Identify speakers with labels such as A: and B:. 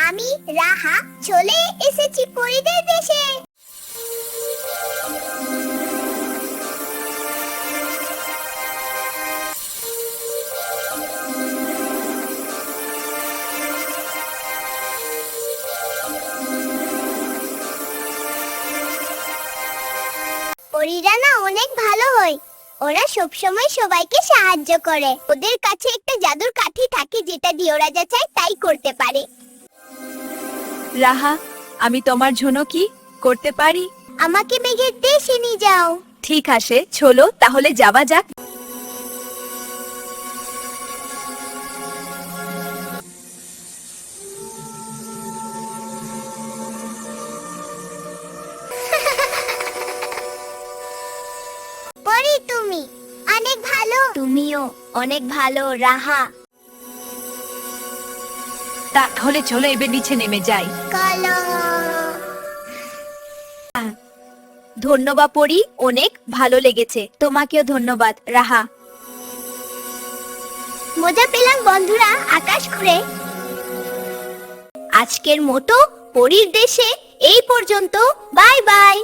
A: আমি রাহা চলে এসেছি পরীদের দেশে। পরীরা না অনেক ভালো হয়। ওরা সবসময় সবাইকে সাহায্য করে। ওদের কাছে একটা জাদুর কাঠি থাকে যেটা দিয়ে ওরা যা চায় তাই করতে পারে।
B: রাহা, আমি তোমার জন্য কি করতে পারি?
A: আমাকে মেঘের দেশে নিয়ে যাও।
B: ঠিক আছে, চলো তাহলে যাওয়া যাক।
A: পরী তুমি অনেক ভালো। তুমিও অনেক ভালো রাহা।
B: তাহলে চলো এবার নিচে নেমে যাই।
A: কালো
B: ধন্যবাদ পরি, অনেক ভালো লেগেছে। তোমাকেও ধন্যবাদ রাহা।
A: মজা পেলাম বন্ধুরা আকাশ ঘুরে। আজকের মতো পরীর দেশে এই পর্যন্ত। Bye by.